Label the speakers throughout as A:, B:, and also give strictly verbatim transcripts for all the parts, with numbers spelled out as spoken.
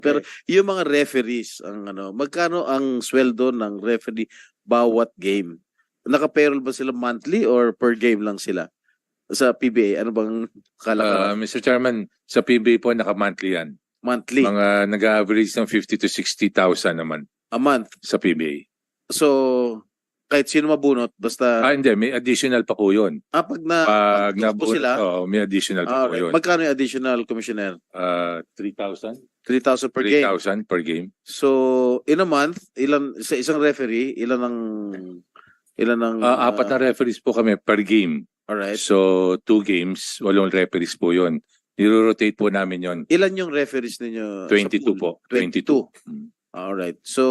A: Pero yung mga referees, ang ano, magkano ang sweldo ng referee bawat game? Naka-payroll ba sila monthly or per game lang sila? Sa P B A, ano bang
B: Uh,
A: kalakaran?
B: Mister Chairman, sa P B A po naka-monthly yan.
A: Monthly,
B: Mga nag-average ng fifty to sixty thousand naman
A: a month.
B: sa P B A.
A: So, kahit sino mabunot, basta,
B: Ah, hindi. May additional pa po yun.
A: ah, pag na,
B: Pag
A: pag po
B: nabuo,
A: sila,
B: oh, may additional pa
A: ah,
B: po yun.
A: magkano yung additional, Commissioner?
B: Uh, three thousand?
A: three thousand per
B: three
A: game.
B: thousand per game.
A: So, in a month, ilan, sa isang referee, ilan ang, ilan ang,
B: Uh, apat na referees po kami per game.
A: alright.
B: So, two games, walong referees po yun. Niro-rotate po namin yun.
A: Ilan yung referees ninyo? sa
B: twenty-two
A: pool?
B: po. twenty-two.
A: Alright. So,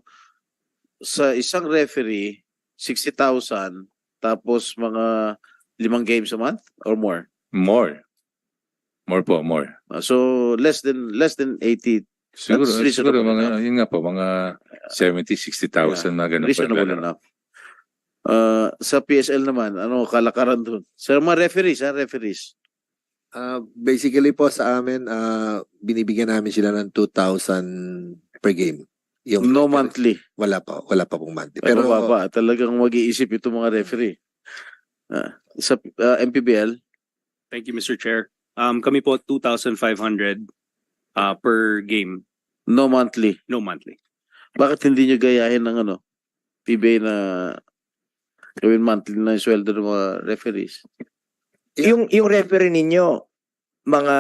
A: sa isang referee, sixty thousand, tapos mga limang games a month or more?
B: More. More po, more.
A: Uh, so, less than less than eighty.
B: Siguro,
A: That's reasonable
B: siguro mga,
A: enough.
B: yun nga po, mga seventy, sixty thousand, mga ganun po.
A: Reasonable enough. Uh, sa P S L naman, ano kalakaran doon? Sa mga referees, ha? Referees.
C: Ah, basically po sa amin, ah, binibigyan namin sila ng two thousand per game. Yung
A: No monthly.
C: Wala pa, wala pa pong monthly.
A: Pero
C: Pero
A: mababa. Talagang mag-iisip itong mga referee. Ah, sa uh, M P B L,
D: Thank you, Mister Chair. Um, kami po two thousand five hundred uh, per game,
A: no monthly.
D: no monthly.
A: Bakit hindi nyo gayahin ng ano? P B A na gawin monthly na yung sweldo ng mga referees?
C: Yeah.
E: Yung yung referee ninyo mga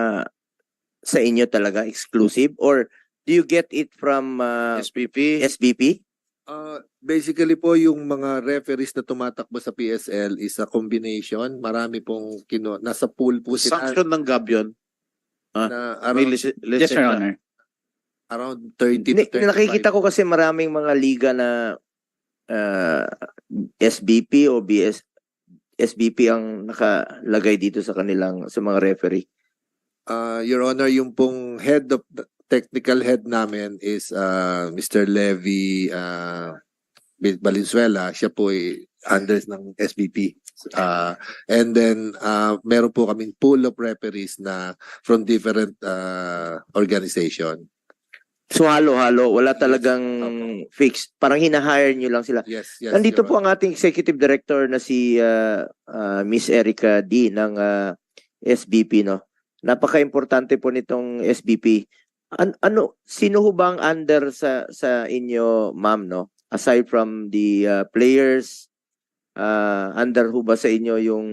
E: sa inyo talaga exclusive or do you get it from uh,
A: S P P?
E: S B P?
C: ah, basically po yung mga referees na tumatakbo sa P S L is a combination. Marami pong kino nasa pool po sila
A: Sanction ng G A B yun?
C: na
A: May
C: around,
A: lise-
F: Yes, Your
A: lisensya?
F: Honor.
C: around thirty
E: Hindi,
C: to thirty-five.
E: nakikita ko kasi maraming mga liga na uh, S B P o B S S B P ang nakalagay dito sa kanilang sa mga referee.
C: Ah, Your Honor, yung pong head of the technical head namin is ah, Mister Levy uh, Valenzuela. Siya po ay under ng S B P. Ah, and then ah, meron po kaming pool of referees na from different ah, organization.
E: So halo-halo, wala talagang fixed. Parang hinahire nyo lang sila.
C: Yes, yes.
E: Nandito
C: Your
E: po ang ating executive director na si uh, uh, Miss Erica D ng uh, S B P, no. Napaka-importante po nitong S B P. An ano sino ho bang under sa sa inyo, ma'am, no? Aside from the uh, players, uh, under ho ba sa inyo yung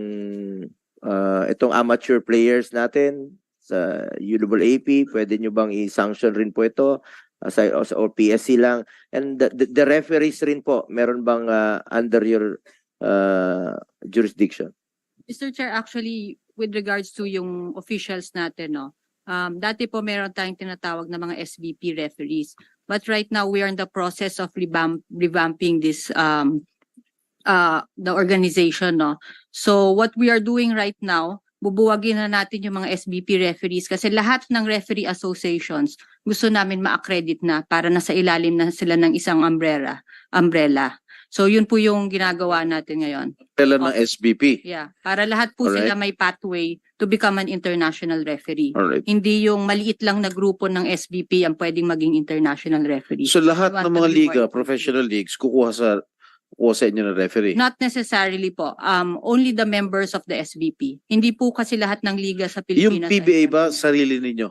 E: uh, itong amateur players natin sa U A A P? Pwede nyo bang i-sanction rin po ito? Aside or P S C lang? And the, the, the referees rin po, meron bang uh, under your uh, jurisdiction?
G: Mister Chair, actually, with regards to yung officials natin, no, um, dati po meron tayong tinatawag na mga S B P referees. But right now, we are in the process of revamp, revamping this, um, uh, the organization, no. So what we are doing right now, bubuwagin na natin yung mga S B P referees kasi lahat ng referee associations gusto namin ma-accredit na para nasa ilalim na sila ng isang umbrella. umbrella. So yun po yung ginagawa natin ngayon.
A: Kailan ng S B P?
G: Yeah, para lahat po
A: Alright.
G: sila may pathway to become an international referee.
A: Alright.
G: Hindi yung maliit lang na grupo ng S B P ang pwedeng maging international referee.
A: So lahat
G: We want
A: ng
G: to
A: mga
G: be
A: liga,
G: more-
A: professional leagues, kukuha sa kukuha sa inyo ng referee?
G: Not necessarily po. Um, only the members of the S B P. Hindi po kasi lahat ng liga sa
A: Yung
G: Pilipinas.
A: P B A
G: ay-
A: ba, sarili ninyo?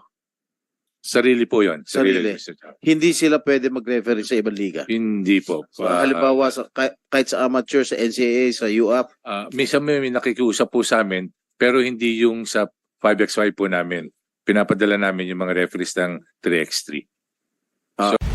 B: Sarili po yun. Sarili.
A: Sarili.
B: Mister Chairman.
A: Hindi sila pwede mag-referee sa ibang liga?
B: Hindi po.
A: So,
B: Ah,
A: halimbawa, sa, kah- kahit sa amateur, sa N C A A, sa U A P,
B: ah, minsan may, may nakikiusap po sa amin, pero hindi yung sa five by five po namin. Pinapadala namin yung mga referees ng three by three.
A: Ah.
B: So,